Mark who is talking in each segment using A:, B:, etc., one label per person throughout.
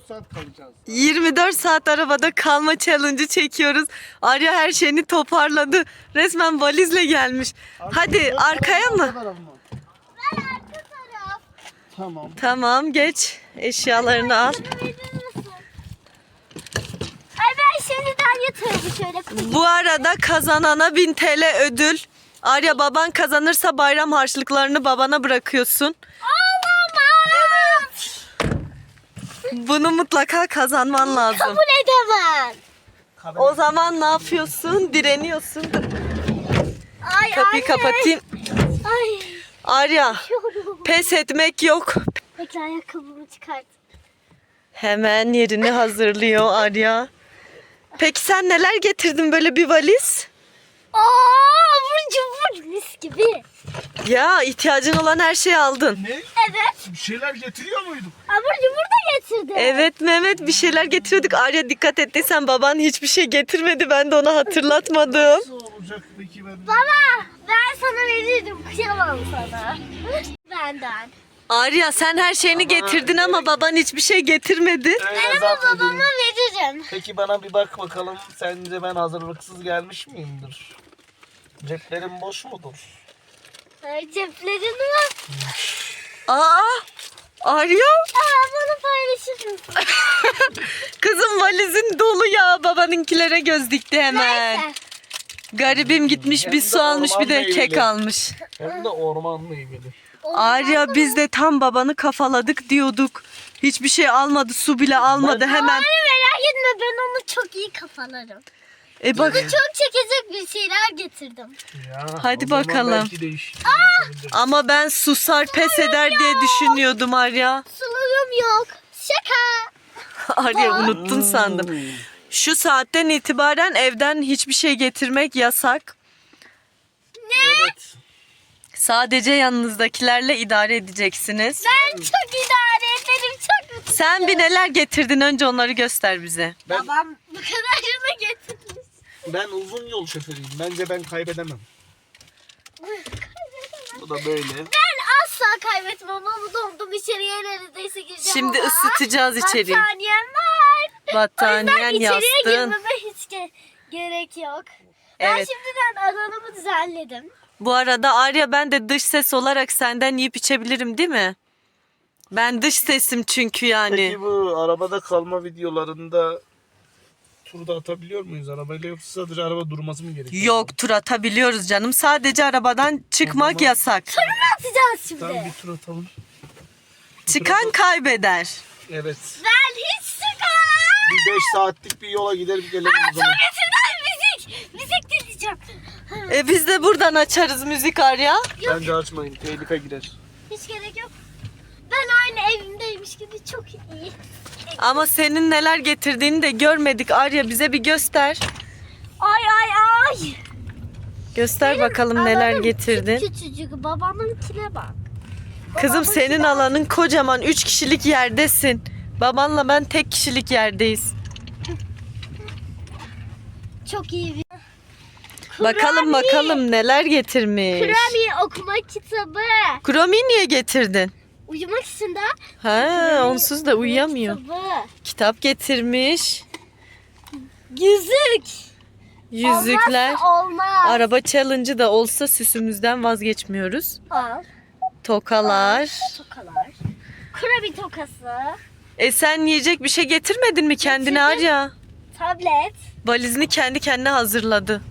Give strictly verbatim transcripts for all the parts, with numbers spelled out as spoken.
A: saat kalacağız.
B: yirmi dört saat arabada kalma challenge'ı çekiyoruz. Arya her şeyini toparladı. Resmen valizle gelmiş. Hadi arkaya mı?
A: Ben arka taraf. Tamam.
B: Tamam geç. Eşyalarını al.
C: Ay ben şimdiden yatırdım şöyle.
B: Bu arada kazanana bin T L ödül. Arya baban kazanırsa bayram harçlıklarını babana bırakıyorsun.
C: Olamaz.
B: Bunu mutlaka kazanman lazım.
C: Kabul edemem.
B: O zaman ne yapıyorsun? Direniyorsun.
C: Ay
B: Kapıyı
C: anne.
B: kapatayım.
C: Ay.
B: Arya,
C: Yorum.
B: pes etmek yok.
C: Bekle ayakkabımı çıkart.
B: Hemen yerini hazırlıyor Arya. Peki sen neler getirdin böyle bir valiz?
C: Aa, abur cubur mis gibi.
B: Ya ihtiyacın olan her şeyi aldın.
A: Ne?
C: Evet.
A: Bir şeyler getiriyor muyduk?
C: Abur cubur da getirdim.
B: Evet Mehmet bir şeyler getiriyorduk. Arya dikkat ettiysen baban hiçbir şey getirmedi. Ben de ona hatırlatmadım.
A: Nasıl olacak peki ben?
C: Baba ben sana verirdim. Kıyamam sana. Benden.
B: Arya sen her şeyini getirdin ama baban hiçbir şey getirmedi.
C: Ben ama babama veririm.
A: Peki bana bir bak bakalım. Sence ben hazırlıksız gelmiş miyimdir? Ceplerim boş mudur?
C: Ay ceplerin var.
B: Aa! Arya!
C: Aa, bana paylaşır mısın?
B: Kızım valizin dolu ya. Babanınkilere göz dikti hemen.
C: Neyse.
B: Garibim gitmiş
A: Hem
B: bir
A: de
B: su almış bir de
A: orman
B: kek
A: meyveli.
B: almış.
A: Hem de orman meyveli.
B: Arya biz de tam babanı kafaladık diyorduk. Hiçbir şey almadı, su bile almadı hemen.
C: Ay merak etme ben onu çok iyi kafalarım.
B: E bak
C: Çok çekecek bir şeyler getirdim.
A: Ya,
B: Hadi
A: o zaman
B: bakalım.
A: belki değişiklik yapabiliriz.
B: ama ben susar pes eder diye düşünüyordum Arya.
C: Sularım yok. Şaka.
B: Arya unuttun sandım.
A: Hmm.
B: Şu saatten itibaren evden hiçbir şey getirmek yasak.
A: Evet.
B: Sadece yanınızdakilerle idare edeceksiniz.
C: Ben çok idare ederim. Çok mutluyum.
B: Sen bir neler getirdin önce onları göster bize.
A: Ben,
C: Babam bu kadarını getirmiş.
A: ben uzun yol şoförüyüm. Bence ben kaybedemem. Bu da böyle.
C: Ben asla kaybetmem ama dondum içeriye neredeyse gireceğim
B: Şimdi
C: ama
B: ısıtacağız içeriği.
C: battaniyem var.
B: Battaniyen,
C: o yüzden içeriye
B: yastığın.
C: girmeme hiç ge- gerek yok. Ben
B: Evet.
C: şimdiden alanımı düzenledim.
B: Bu arada Arya ben de dış ses olarak senden yiyip içebilirim değil mi? Ben dış sesim çünkü yani.
A: Peki bu arabada kalma videolarında turda atabiliyor muyuz arabayla yoksa sadece araba durması mı gerekiyor?
B: Yok tur atabiliyoruz canım. Sadece arabadan çıkmak
A: O zaman-
B: yasak.
C: Ne atacağız şimdi?
A: Tamam bir tur atalım.
B: Çıkan kaybeder.
A: Evet.
C: Ben hiç sıkar.
A: Bir beş saatlik bir yola gidelim gelelim o zaman.
C: Sonrasından müzik. Müzik dinleyeceğim.
B: E biz de buradan açarız müzik Arya.
A: Bence açmayın tehlike girer.
C: Hiç gerek yok. Ben aynı evimdeymiş gibi çok iyi.
B: Ama senin neler getirdiğini de görmedik Arya bize bir göster.
C: Ay ay ay.
B: Göster bakalım neler
C: Alanım
B: getirdin.
C: Küçücük babamınkine bak.
B: Kızım
C: Babamınkine
B: senin
C: bak.
B: alanın kocaman üç kişilik yerdesin. Babanla ben tek kişilik yerdeyiz.
C: Çok iyi bir
B: Bakalım
C: Kurabiye.
B: bakalım neler getirmiş.
C: kurabiye okuma kitabı.
B: Kromi'yi niye getirdin?
C: Uyumak için de
B: Ha, onsuz da uyuyamıyor.
C: kitabı.
B: Kitap getirmiş.
C: Yüzük.
B: Yüzükler.
C: Olmazsa olmaz.
B: Araba challenge'ı da olsa süsümüzden vazgeçmiyoruz.
C: Al.
B: Tokalar.
C: Tokalar. Kurabiye tokası.
B: E sen yiyecek bir şey getirmedin mi kendine
C: Getirdim.
B: Arya?
C: Tablet.
B: Valizini kendi kendine hazırladı.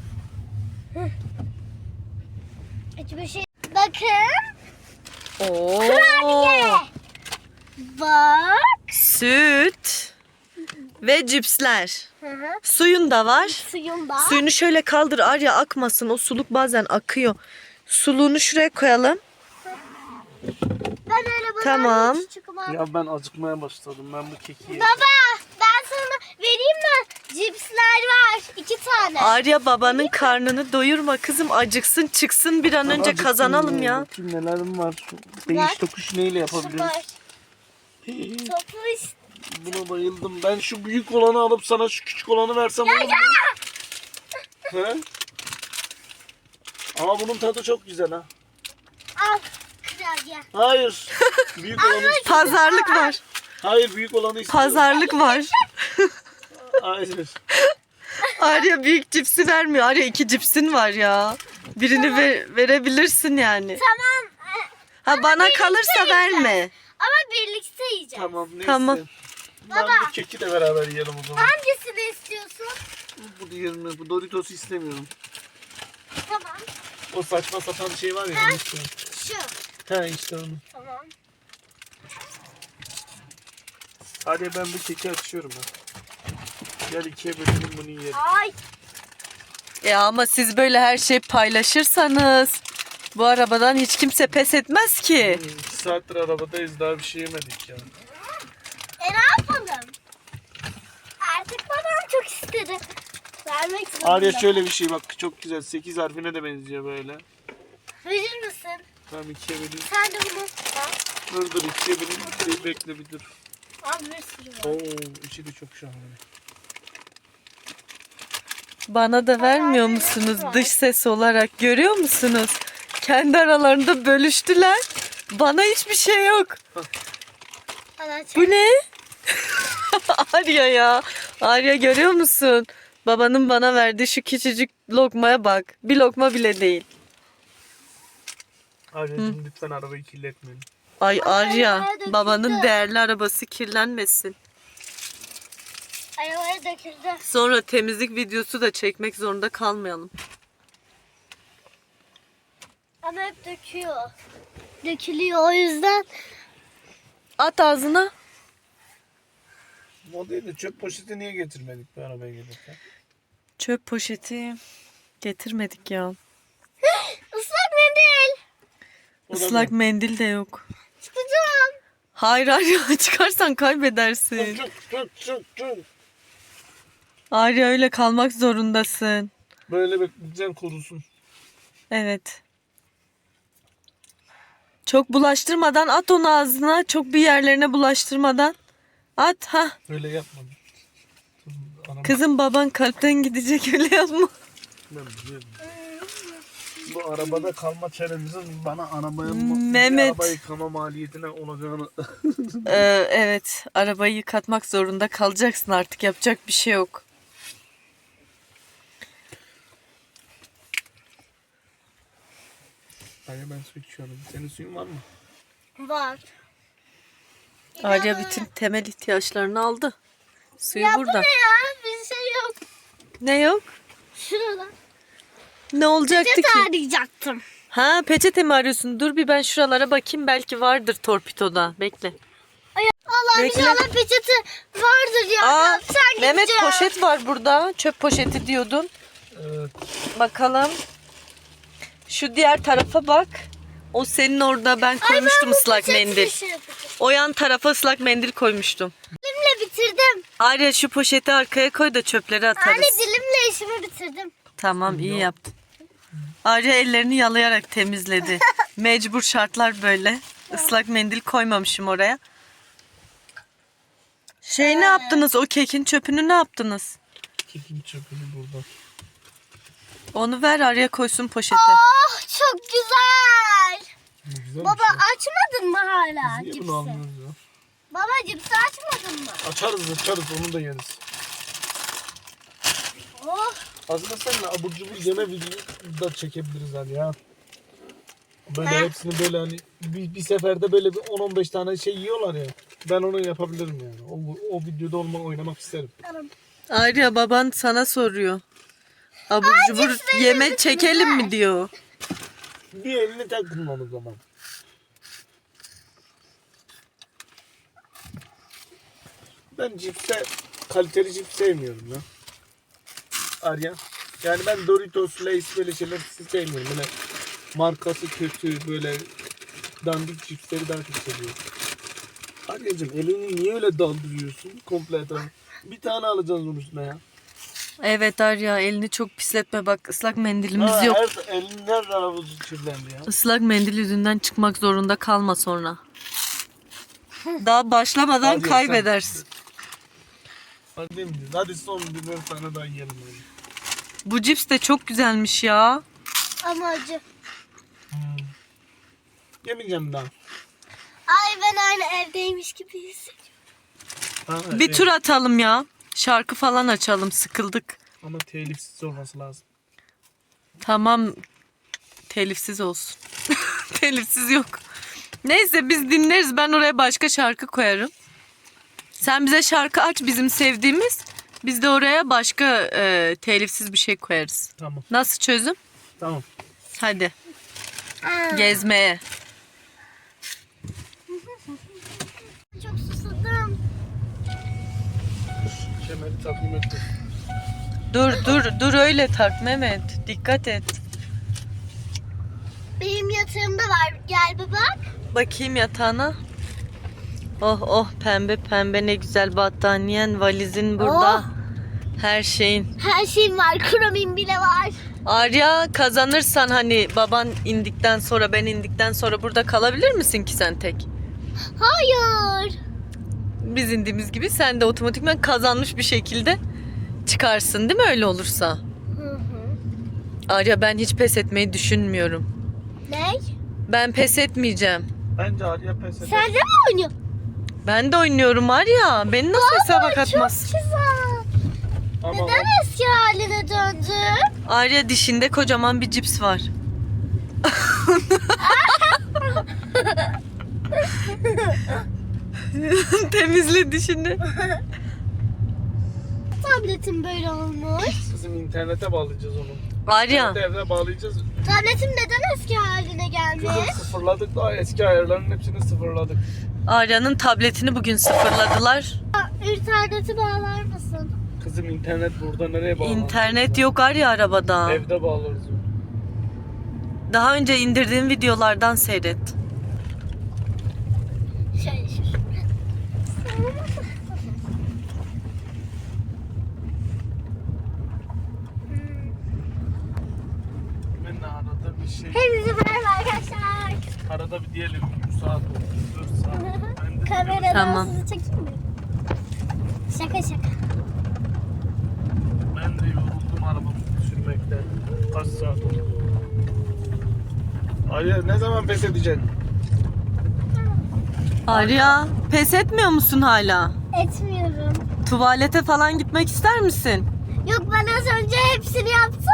C: Hiçbir şey. Bakın.
B: Oo.
C: Kurabiye. Bak.
B: Süt ve cipsler.
C: Hı hı.
B: Suyun da var.
C: Suyum da.
B: Suyunu şöyle kaldır Arya akmasın. O suluk bazen akıyor. Suluğunu şuraya koyalım.
C: Ben öyle bana
B: Tamam.
C: çıkmam.
A: Ya ben acıkmaya başladım ben bu keki yedim.
C: Baba ben sana vereyim mi? Cipsler var. iki tane.
B: Arya babanın karnını doyurma kızım acıksın çıksın bir an önce
A: Acıktım
B: kazanalım ya.
A: Bakayım nelerim var. Değiş tokuş neyle yapabiliriz?
C: Var. Topluş.
A: Buna bayıldım. Ben şu büyük olanı alıp sana şu küçük olanı versem olur mu? He? Ama bunun tadı çok güzel ha.
C: Al. Kurabiye.
A: Hayır. Büyük olanı
B: Pazarlık var.
A: Hayır, büyük olanı istiyorum.
B: Pazarlık var.
A: Hayır.
B: Arya büyük cipsi vermiyor. Arya iki cipsin var ya. Birini ver- verebilirsin yani.
C: Tamam.
B: Ha bana kalırsa verme.
C: Ama birlikte yiyeceğiz.
A: Tamam neyse.
B: Tamam.
A: Ben bu keki de beraber yiyelim o zaman.
C: Hangisini istiyorsun?
A: Bu diğerini, bu Doritos'u istemiyorum.
C: Tamam.
A: O saçma sapan şey var ya. onu istiyorum.
C: Şu.
A: He işte onu.
C: Tamam.
A: Hadi ben bu keki açıyorum ben. Gel ikiye bölelim bunu yiyelim.
C: Ay.
B: Ya ama siz böyle her şeyi paylaşırsanız bu arabadan hiç kimse pes etmez ki.
A: Hmm, iki saattir arabadayız, daha bir şey yemedik ya.
C: E ne yapalım? Artık babam çok istedi. Vermek zorunda.
A: Arya şöyle bir şey bak, çok güzel, sekiz harfine de benziyor böyle.
C: Verir misin?
A: Tamam ikiye böleyim.
C: Sen de bunu al.
A: Dur dur ikiye böleyim. Bir bekle bir dur.
C: Al bir sürü var.
A: Oo içi de çok şahane.
B: Bana da vermiyor musunuz dış ses olarak? Görüyor musunuz? Kendi aralarında bölüştüler. Bana hiçbir şey yok.
C: Al aç.
B: Bu ne? Arya ya. Arya görüyor musun? Babanın bana verdiği şu küçücük lokmaya bak. Bir lokma bile değil.
A: Arya'cığım lütfen arabayı kirletmeyin.
B: Ay Arya,
C: döküldü.
B: babanın değerli arabası kirlenmesin.
C: Arabaya döküldü.
B: Sonra temizlik videosu da çekmek zorunda kalmayalım.
C: Ama hep döküyor. Dökülüyor o yüzden.
B: At ağzına.
A: O değil de çöp poşeti niye getirmedik bu arabaya gelirken?
B: Çöp poşeti getirmedik ya.
C: Islak mendil.
A: O da
B: Islak
A: ne?
B: mendil de yok.
C: Çıkacağım.
B: Hayır Arya çıkarsan kaybedersin.
A: Çok çok çok çok.
B: Arya öyle kalmak zorundasın.
A: Böyle bekleyeceksin kurusun.
B: Evet. Çok bulaştırmadan at onu ağzına. Çok bir yerlerine bulaştırmadan. At ha.
A: Öyle yapma. Anam,
B: Kızım baban kalpten gidecek öyle yapma.
A: ben biliyorum. Bu arabada kalma çaremizin bana arabaya
B: Mehmet.
A: araba yıkama maliyetine olacağını.
B: Ee, evet arabayı yıkatmak zorunda kalacaksın artık yapacak bir şey yok.
A: Hayır ben su içiyorum. Senin suyun var mı?
C: Var.
B: Arya bütün temel ihtiyaçlarını aldı. Suyu
C: Ya bu
B: burada.
C: ne ya? Bir şey yok.
B: Ne yok?
C: Şurada.
B: Ne olacaktı
C: Peçete
B: ki?
C: arayacaktım.
B: Ha peçete mi arıyorsun? Dur bir ben şuralara bakayım belki vardır torpidoda. Bekle.
C: Ay, Allah
B: Bekle.
C: inşallah peçete vardır ya.
B: Aa,
C: Sen
B: Mehmet
C: gideceğim.
B: poşet var burada. Çöp poşeti diyordun.
A: Evet.
B: Bakalım. Şu diğer tarafa bak. O senin orada ben koymuştum
C: Bu
B: ıslak
C: peçete
B: mendil.
C: şey yapacağım.
B: O yan tarafa ıslak mendil koymuştum.
C: Dilimle bitirdim.
B: Arya şu poşeti arkaya koy da çöpleri atarız.
C: Anne dilimle işimi bitirdim.
B: Tamam iyi yaptın. Arya ellerini yalayarak temizledi. Mecbur şartlar böyle. Islak mendil koymamışım oraya. Şey ne yaptınız? O kekin çöpünü ne yaptınız?
A: Kekin çöpünü burada.
B: Onu ver Arya koysun poşete.
C: Oh çok güzel.
A: Ne güzel
C: Baba
A: bir şey.
C: açmadın mı hala
A: Biz niye
C: cipsi?
A: bunu almıyoruz ya?
C: Baba cipsi açmadın mı?
A: Açarız açarız onu da yeriz.
C: Oh.
A: Aslında seninle abur cubur yeme videosu da çekebiliriz hani ya. Böyle
C: Ha?
A: hepsini böyle hani bir, bir seferde böyle bir on on beş tane şey yiyorlar ya. Ben onu yapabilirim yani. O, o videoda olma oynamak isterim.
C: Tamam.
B: Arya baban sana soruyor. Abur cubur
C: cipsleri
B: yeme
C: lütfen
B: çekelim
C: ver.
B: mi diyor.
A: Bir elini takın o zaman. Ben cipse, kaliteli cips sevmiyorum ya. Arya. Yani ben Doritos, Lay's böyle şeyler sevmiyorum. Böyle markası kötü, böyle dandik cipsleri daha çok seviyorum. Arya'cığım elini niye öyle daldırıyorsun komple etrafı? Bir tane alacağız onun üstüne ya.
B: Evet Arya elini çok pisletme bak ıslak mendilimiz
A: Ha,
B: yok.
A: Her, elin her tarafı kirlendi ya.
B: Islak mendil yüzünden çıkmak zorunda kalma sonra. Daha başlamadan
A: Hadi
B: kaybedersin.
A: Hadi mi diyorsun? Hadi son birer tane daha yiyelim öyle.
B: Bu cips de çok güzelmiş ya.
C: Ama acı.
A: Hmm. Yemeyeceğim daha.
C: Ay ben aynı evdeymiş gibi hissediyorum.
A: Ha,
B: Bir
A: evet.
B: tur atalım ya. Şarkı falan açalım. Sıkıldık.
A: Ama telifsiz olması lazım.
B: Tamam. Telifsiz olsun. Telifsiz yok. Neyse biz dinleriz. Ben oraya başka şarkı koyarım. Sen bize şarkı aç bizim sevdiğimiz. Biz de oraya başka e, telifsiz bir şey koyarız.
A: Tamam.
B: Nasıl çözüm?
A: Tamam.
B: Hadi
C: Aa,
B: gezmeye.
C: çok susadım.
A: Kemeri takdim ettim.
B: Dur dur dur öyle tak Mehmet. Dikkat et.
C: Benim yatağımda var. Gel bir bak.
B: Bakayım yatağına. Oh oh pembe pembe ne güzel battaniyen, valizin burada.
C: Oh.
B: Her şeyin.
C: Her şeyim var. Kromin bile var.
B: Arya kazanırsan hani baban indikten sonra ben indikten sonra burada kalabilir misin ki sen tek?
C: Hayır.
B: Biz indiğimiz gibi sen de otomatikman kazanmış bir şekilde çıkarsın değil mi öyle olursa?
C: Hı hı.
B: Arya ben hiç pes etmeyi düşünmüyorum.
C: Ne?
B: Ben pes etmeyeceğim.
A: Bence Arya pes eder.
C: Sen de mi oynuyorsun?
B: Ben de oynuyorum Arya. Beni nasıl hesaba
C: Çok
B: katmaz?
C: güzel.
A: Ama
C: Neden eski haline döndü?
B: Arya dişinde kocaman bir cips var. Temizle dişini.
C: Tabletim böyle olmuş.
A: bizim internete bağlayacağız onu.
B: Arya.
A: İnternete evde bağlayacağız.
C: Tabletim neden eski haline gelmiş?
A: Kızım sıfırladık daha eski ayarların hepsini sıfırladık.
B: Arya'nın tabletini bugün sıfırladılar.
C: Aa, İnterneti bağlar mısın?
A: Kızım internet burada nereye bağlanır?
B: İnternet yok Arya arabada.
A: Evde bağlarız.
B: Daha önce indirdiğim videolardan seyret.
C: Şöyle şu.
A: Ben de arada bir şey,
C: Hepinize merhaba arkadaşlar.
A: arada bir diyelim üç saat oldu, dört saat. Ben de
C: Kameradan
B: Tamam.
C: sizi çekeyim mi? Şaka şaka.
A: Ben de yoruldum arabamı sürmekten. Kaç saat oldu? Arya ne zaman pes edeceksin?
B: Arya pes etmiyor musun hala?
C: Etmiyorum.
B: Tuvalete falan gitmek ister misin?
C: Yok ben az önce hepsini yaptım.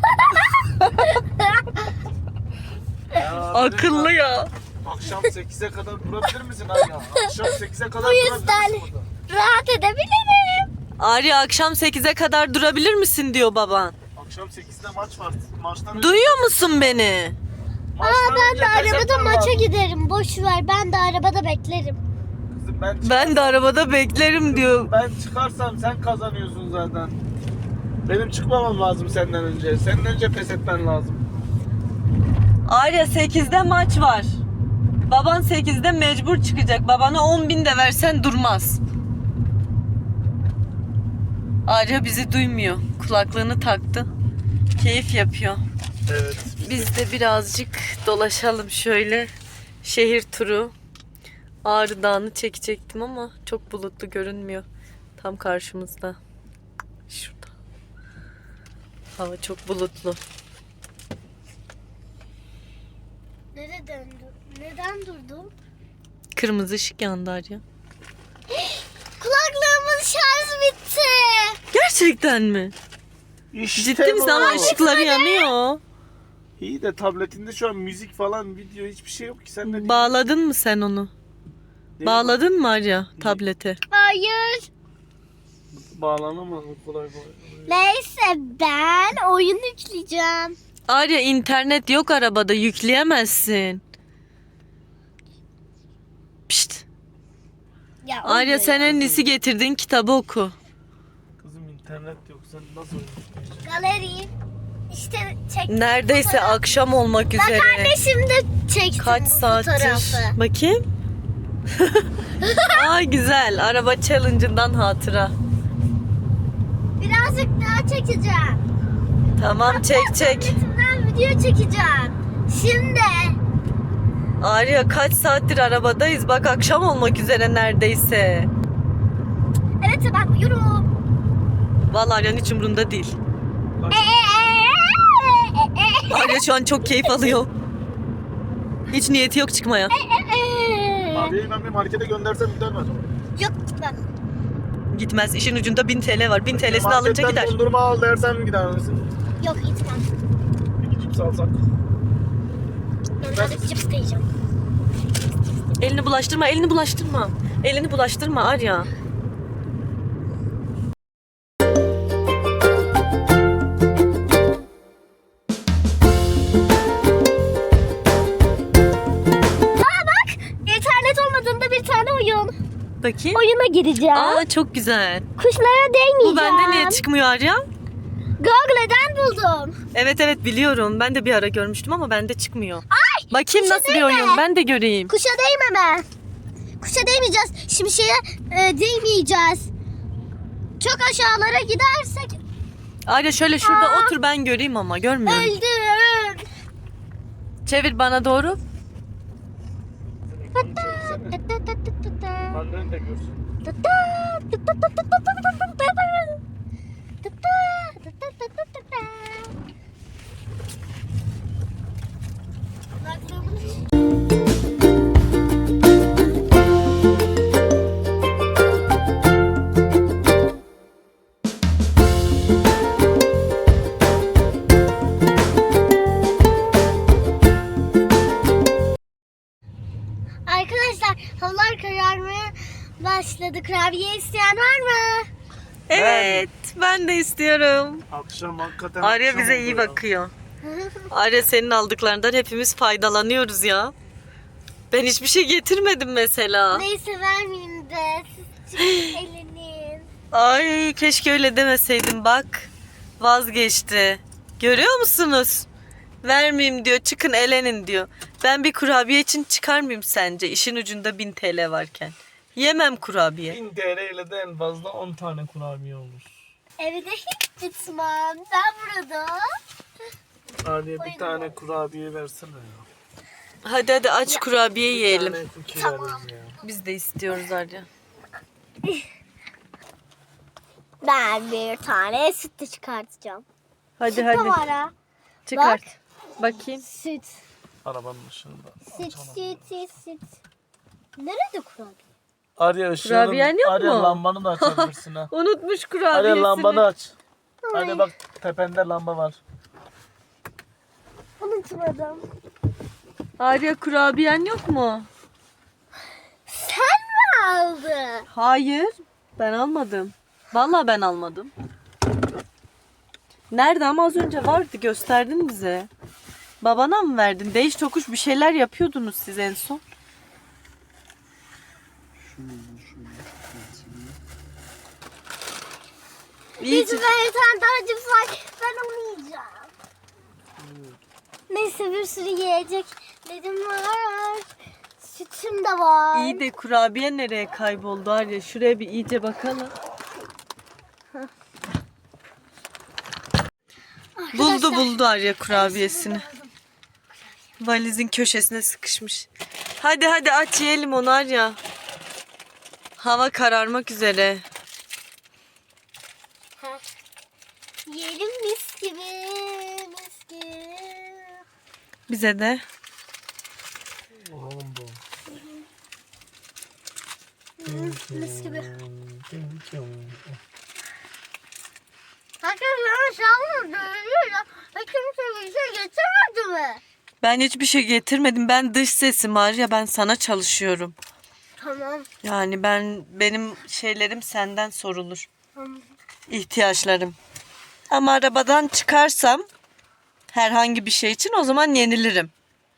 A: Ya,
B: Akıllı ya.
A: Akşam sekize kadar durabilir misin Arya? Akşam sekize kadar
C: Bu yüzden-
A: durabilir misin burada?
C: Rahat edebilirim.
B: Arya akşam sekize kadar durabilir misin diyor baban.
A: Akşam sekizde maç var. Maçtan önce-
B: Duyuyor musun beni?
C: Aa,
A: maçtan
C: ben
A: önce
C: de
A: pes
C: arabada
A: etmem
C: maça
A: lazım.
C: giderim. Boş ver ben de arabada beklerim.
A: Kızım ben,
B: Ben de arabada beklerim diyor.
A: ben çıkarsam sen kazanıyorsun zaten. Benim çıkmamam lazım senden önce. Senin önce pes etmen lazım.
B: Arya sekizde maç var. Baban sekizde mecbur çıkacak. Babana on bin de versen durmaz. Arya bizi duymuyor. Kulaklığını taktı. Keyif yapıyor.
A: Evet.
B: Biz de birazcık dolaşalım şöyle. Şehir turu. Ağrı Dağı'nı çekecektim ama çok bulutlu görünmüyor. Tam karşımızda. Şurada. Hava çok bulutlu.
C: Nereye döndüm? Neden durdum?
B: Kırmızı ışık yandı Arya.
C: Kulaklığımın şarjı bitti.
B: Gerçekten mi?
A: İşte
B: Ciddi misin
A: bu.
B: ama ışıkları yanıyor.
A: İyi de tabletinde şu an müzik falan, video hiçbir şey yok ki. Sen de
B: Bağladın mı sen onu? Bağladın mı Arya tablete?
C: Hayır.
A: Bağlanamaz mı kolay kolay?
C: Neyse ben oyun yükleyeceğim.
B: Arya internet yok arabada yükleyemezsin. Pişt.
C: Ya,
B: Arya
C: oyun-
B: sen en iyisi getirdiğin kitabı oku.
A: Kızım internet yok. Sen nasıl oynayacaksın?
C: Galeri. İşte çektim.
B: Neredeyse
C: fotoğraf.
B: akşam olmak üzere.
C: Bak anne şimdi çektim
B: Kaç
C: bu
B: saattir?
C: fotoğrafı.
B: Bakayım. Aa güzel. Araba challenge'ından hatıra.
C: Birazcık daha çekeceğim.
B: Tamam çek çek.
C: Tabletimden video çekeceğim. Şimdi.
B: Arya kaç saattir arabadayız. Bak akşam olmak üzere neredeyse.
C: Evet ben uyurum.
B: Vallahi Arya'nın hiç umurunda değil. Arya şu an çok keyif alıyor. Hiç niyeti yok çıkmaya.
A: Abiye ben bir markete göndersem gider mi acaba?
C: Yok ben.
B: Gitmez. İşin ucunda bin T L var. bin T L'sini alınca
A: Marketten
B: gider.
A: dondurma al dersen mi gider misin?
C: Yok gitmem.
A: İki cips alsak.
C: Ben birazcık cips yiyeceğim.
B: Elini bulaştırma, elini bulaştırma. Elini bulaştırma Arya.
C: İnternet olmadığında bir tane oyun.
B: Bakayım.
C: Oyuna gireceğim.
B: Aa çok güzel.
C: Kuşlara değmeyeceğim.
B: Bu bende niye çıkmıyor Arya?
C: Google'dan buldum.
B: Evet evet biliyorum. Ben de bir ara görmüştüm ama bende çıkmıyor.
C: Ay!
B: Bakayım
C: kuşa
B: nasıl bir
C: değme.
B: oyun. Ben de göreyim.
C: Kuşa değmeme. Kuşa değmeyeceğiz. Şimdi şeye e, değmeyeceğiz. Çok aşağılara gidersek
B: Arya şöyle şurada
C: Aa.
B: otur ben göreyim ama görmüyorum.
C: öldüm.
B: Çevir bana doğru.
A: Annen de görsün.
C: Arkadaşlar havalar kararmaya başladı. Kurabiye isteyen var mı?
B: Evet ben de istiyorum.
A: Akşam hakikaten
B: Arya
A: akşam
B: bize
A: oldu
B: iyi
A: ya.
B: bakıyor. Arya senin aldıklarından hepimiz faydalanıyoruz ya. Ben hiçbir şey getirmedim mesela.
C: Neyse vermeyeyim de. Siz çıkın elinin.
B: Ay keşke öyle demeseydin bak. Vazgeçti. Görüyor musunuz? Vermeyeyim diyor çıkın elenin diyor. Ben bir kurabiye için çıkar mıyım sence? İşin ucunda bin T L varken. Yemem kurabiye.
A: bin T L ile de en fazla on tane kurabiye olur.
C: Evde hiç gitmem. Ben burada.
A: Arya bir tane kurabiye versene ya.
B: Hadi hadi aç kurabiye
A: Bir
B: yiyelim.
A: tane cookie
C: Tamam.
A: veririz ya.
B: Biz de istiyoruz Arya.
C: Ben bir tane süt de çıkartacağım.
B: Hadi
C: Süt de
B: hadi
C: var ha.
B: çıkart. Bakayım.
C: Süt.
A: Arabanın ışığında.
C: Süt,
A: Açalım.
C: süt, süt, süt. Nerede kurabiye?
A: Arya ışığının,
B: Kurabiyen yok
A: Arya
B: mu?
A: lambanı da açabilirsin ha.
B: Unutmuş
A: Arya
B: kurabiyesini.
A: lambanı aç.
C: Ay.
A: Arya bak tepende lamba var.
C: Unutmadım.
B: Arya kurabiyen yok mu?
C: Sen mi aldın?
B: Hayır. Ben almadım. Vallahi ben almadım. Nerede ama az önce vardı gösterdin bize. Babana mı verdin? Değiş tokuş bir şeyler yapıyordunuz siz en son. İyi
C: Bizim bir tane daha cips var. Ben onu yiyeceğim. Neyse bir sürü yiyecek dedim var. Sütüm de var.
B: İyi de kurabiye nereye kayboldu Arya? Şuraya bir iyice bakalım. Buldu buldu Arya kurabiyesini. Valizin köşesine sıkışmış. Hadi hadi aç yiyelim onu Arya. Hava kararmak üzere.
C: Heh. Yiyelim mis gibi. Mis gibi.
B: Bize de.
A: Oğlum bu.
C: Mis gibi. Arkadaşlar şahını dövüyor ya. Hiç kimse bir şey getirmedi mi?
B: Ben hiçbir şey getirmedim. Ben dış sesim Arya. Ben sana çalışıyorum.
C: Tamam.
B: Yani ben benim şeylerim senden sorulur.
C: Tamam.
B: İhtiyaçlarım. Ama arabadan çıkarsam herhangi bir şey için o zaman yenilirim.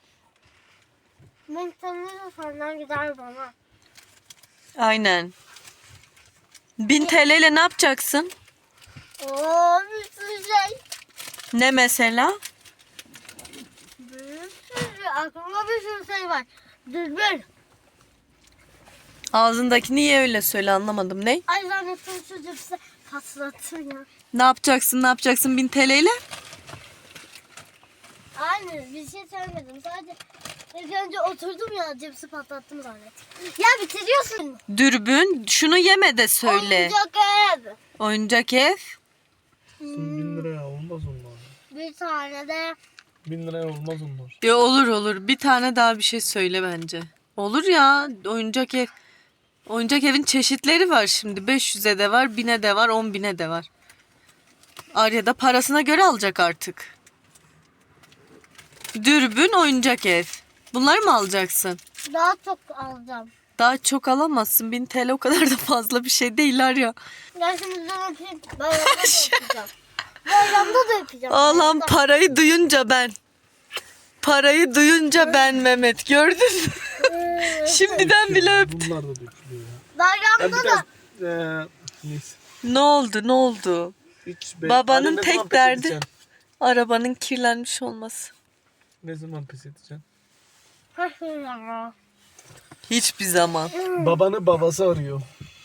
C: Ben tanıyorum senden gider bana.
B: Aynen. bin T L ile ne yapacaksın?
C: Oo bir sürü şey.
B: Ne mesela?
C: Bir sürü. Aklımda bir sürü şey var. Dürbün.
B: Ağzındaki niye öyle söyle anlamadım. Ne?
C: Ay zannettim şu cipsi patlattım ya.
B: Ne yapacaksın ne yapacaksın bin T L ile?
C: Aynı bir şey söylemedim. Sadece ilk önce oturdum ya cipsi patlattım zannettim. Ya bitiriyorsun.
B: Dürbün. Şunu yeme de söyle.
C: Oyuncak ev.
B: Oyuncak ev.
A: bin liraya olmaz onlar.
C: Bir tane de
A: bin liraya olmaz onlar.
B: Ya olur olur. Bir tane daha bir şey söyle bence. Olur ya oyuncak ev. Oyuncak evin çeşitleri var şimdi. beş yüze de var, bine de var, on bine de var. Arya da parasına göre alacak artık. Dürbün, oyuncak ev. Bunları mı alacaksın?
C: Daha çok alacağım.
B: Daha çok alamazsın. bin T L o kadar da fazla bir şey değil Arya.
C: Gerçekten öpeyim. Bayramda da yapacağım. Bayramda da yapacağım.
B: Allah'ım
C: Bayramda.
B: parayı duyunca ben. Parayı duyunca ben Mehmet. Gördün mü? Şimdiden bile öptü.
A: Bunlar da dökülüyor ya.
C: Bayramda
A: Ya
C: da.
A: biraz eee neyse.
B: Ne oldu ne oldu?
A: Hiç be-
B: Babanın
A: Anne, ne
B: tek
A: zaman pes
B: derdi-
A: edeceksin?
B: Arabanın kirlenmiş olması.
A: Ne zaman pes edeceksin?
B: Hiçbir zaman.
A: Babanı babası arıyor.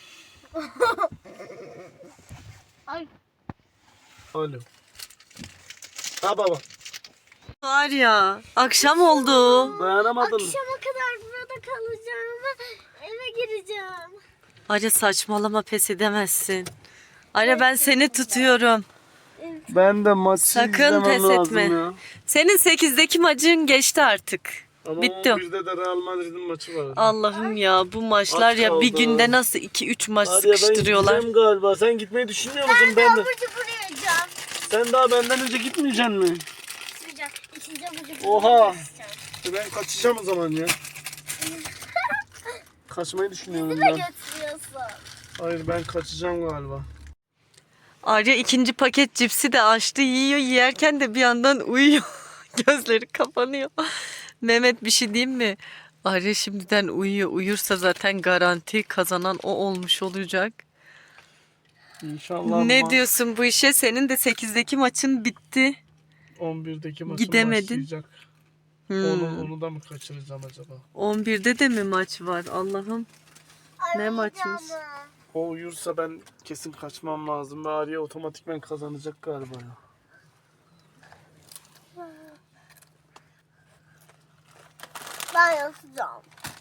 C: Ay.
A: Alo. Ha baba.
B: Var ya akşam oldu.
A: Dayanamadın mı?
C: Akşama kadar burada kalacağım. Eve gireceğim.
B: Arya saçmalama pes edemezsin. Arya ben seni tutuyorum.
A: Ben de maçı
B: Sakın
A: izlemem
B: pes
A: lazım
B: etme.
A: ya.
B: Senin sekizdeki maçın geçti artık.
A: Ama
B: Bitti o.
A: on birde de Real Madrid'in maçı var.
B: Allah'ım ya bu maçlar
A: Az
B: ya bir
A: kaldı.
B: günde nasıl iki üç maç
A: Hadi ya ben
B: sıkıştırıyorlar.
A: gideceğim galiba. Sen gitmeyi düşünmüyor musun?
C: Ben de
A: Ben de.
C: abur cubur yiyeceğim.
A: Sen daha benden önce gitmeyeceksin mi?
C: Sıcak. İçince abur cubur
A: Oha.
C: yiyeceğim.
A: E Ben kaçacağım o zaman ya. Kaçmayı düşünüyorum
C: Bizi de
A: ben.
C: götürüyorsun.
A: Hayır ben kaçacağım galiba.
B: Arya ikinci paket cipsi de açtı yiyor yerken de bir yandan uyuyor. Gözleri kapanıyor. Mehmet bir şey diyeyim mi? Arya şimdiden uyuyor. Uyursa zaten garanti kazanan o olmuş olacak.
A: İnşallah
B: Ne
A: ma-
B: diyorsun bu işe? Senin de sekizdeki maçın bitti.
A: on birdeki maçım
B: Gidemedin.
A: başlayacak.
B: Hmm.
A: Onu, onu da mı kaçıracağım acaba?
B: on birde de mi maç var? Allah'ım.
C: Ay,
B: Ne maçmış?
C: uyuyacağım.
A: O uyursa ben kesin kaçmam lazım ve Arya otomatikmen kazanacak galiba ya.
C: Ben yatacağım.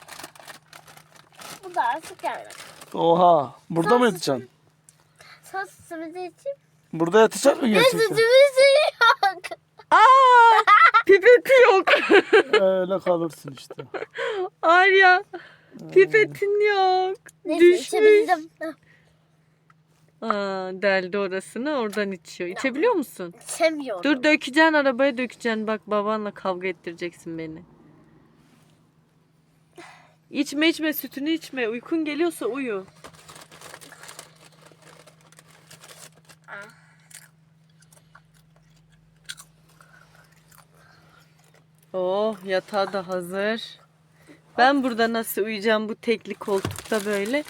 C: Bu da artık yani.
A: Oha! Burada mı yatacaksın?
C: Sen sütümüzü içeyim.
A: Burada yatacak mı
C: Ne
A: gerçekten?
C: sütümüzü yok.
B: Aa! Pipeti yok.
A: Öyle kalırsın işte.
B: Arya. Pipetin yok.
C: Neyse
B: Düşmüş.
C: içebildim.
B: Aa, deldi orasını oradan içiyor. İçebiliyor musun?
C: İçemiyorum.
B: Dur dökeceksin arabaya dökeceksin. Bak babanla kavga ettireceksin beni. İçme içme sütünü içme. Uykun geliyorsa uyu. Oh yatağı da hazır. Ben burada nasıl uyuyacağım bu tekli koltukta böyle?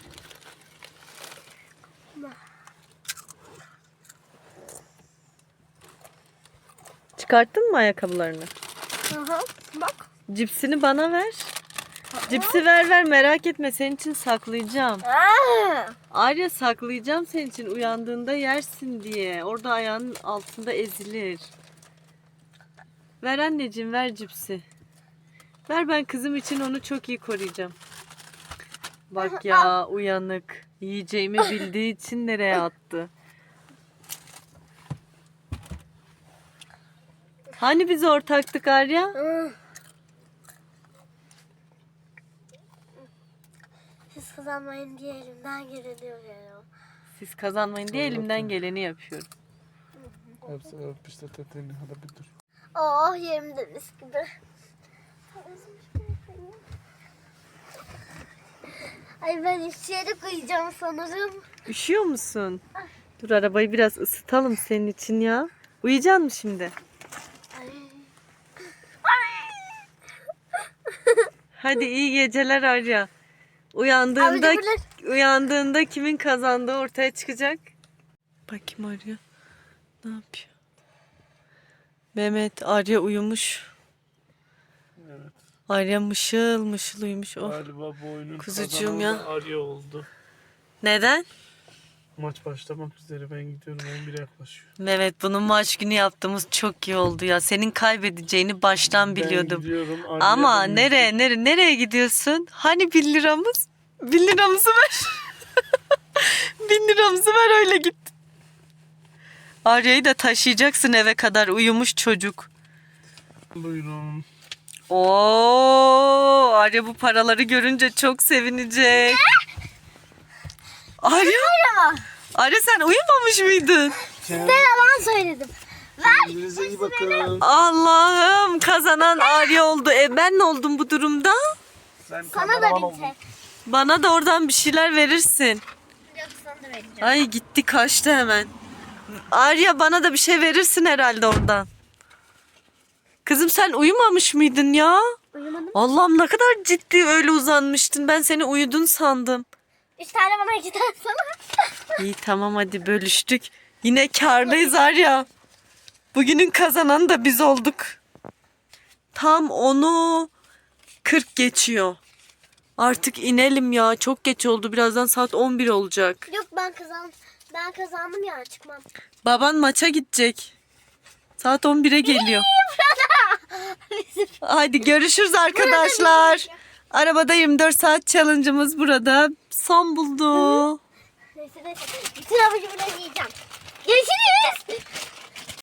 B: Çıkarttın mı ayakkabılarını?
C: Hı hı. Bak.
B: Cipsini bana ver. Cipsi ver ver merak etme senin için saklayacağım.
C: Aa!
B: Arya saklayacağım senin için uyandığında yersin diye. Orada ayağının altında ezilir. Ver anneciğim ver cipsi. Ver ben kızım için onu çok iyi koruyacağım. Bak ya uyanık. Yiyeceğimi bildiği için nereye attı? Hani biz ortaktık Arya?
C: Hı. Siz kazanmayın diye elimden geleni yapıyorum.
B: Siz kazanmayın diye elimden geleni yapıyorum.
A: Hepsi öpüşte teteni hadi bir dur.
C: Oh yerimde mis gibi. Ay ben üşüyerek uyuyacağım sanırım.
B: Üşüyor musun? Dur arabayı biraz ısıtalım senin için ya. Uyuyacaksın mı şimdi?
C: Ay.
B: Hadi iyi geceler Arya. Uyandığında
C: Abi de
B: uyandığında kimin kazandığı ortaya çıkacak. Bakayım Arya. Ne yapıyor? Mehmet Arya uyumuş.
A: Evet.
B: Arya mışıl mışıl uyumuş. Oh.
A: Galiba bu oyunun
B: Kuzucuğum
A: kazananı
B: ya.
A: da Arya oldu.
B: Neden?
A: Maç başlamak üzere ben gidiyorum on bire yaklaşıyor.
B: Mehmet bunun maç günü yaptığımız çok iyi oldu ya. Senin kaybedeceğini baştan biliyordum.
A: Ben gidiyorum. Arya
B: Ama
A: da
B: nereye nereye nereye gidiyorsun? Hani bir liramız? Bir liramızı ver. Bin liramızı ver öyle git. Arya'yı da taşıyacaksın eve kadar uyumuş çocuk.
A: Buyurun.
B: Oo, Arya bu paraları görünce çok sevinecek. Arya,
C: Ya.
B: Arya sen uyumamış mıydın?
C: Size yalan söyledim. Ver.
A: Kendinize iyi bakın.
B: Allah'ım kazanan Arya oldu. E ben ne oldum bu durumda?
A: Sen
C: Sana da
A: kameraman
C: bir
A: oldun.
C: tek.
B: Bana da oradan bir şeyler verirsin.
C: Yok sana da vereceğim.
B: Ay gitti kaçtı hemen. Arya bana da bir şey verirsin herhalde oradan. Kızım sen uyumamış mıydın ya?
C: Uyumadım.
B: Allah'ım ne kadar ciddi öyle uzanmıştın. Ben seni uyudun sandım.
C: Üç tane bana iki tane sana.
B: İyi tamam hadi bölüştük. Yine kârdayız Arya. Bugünün kazananı da biz olduk. Tam onu kırk geçiyor. Artık inelim ya. Çok geç oldu. Birazdan saat on bir olacak.
C: Yok ben kazandım. Ben kazandım ya çıkmam.
B: Baban maça gidecek. Saat on bire geliyor. Hadi görüşürüz arkadaşlar. Arabada yirmi dört saat challenge'ımız burada son buldu.
C: Neyse neyse. Bütün avucumu yiyeceğim.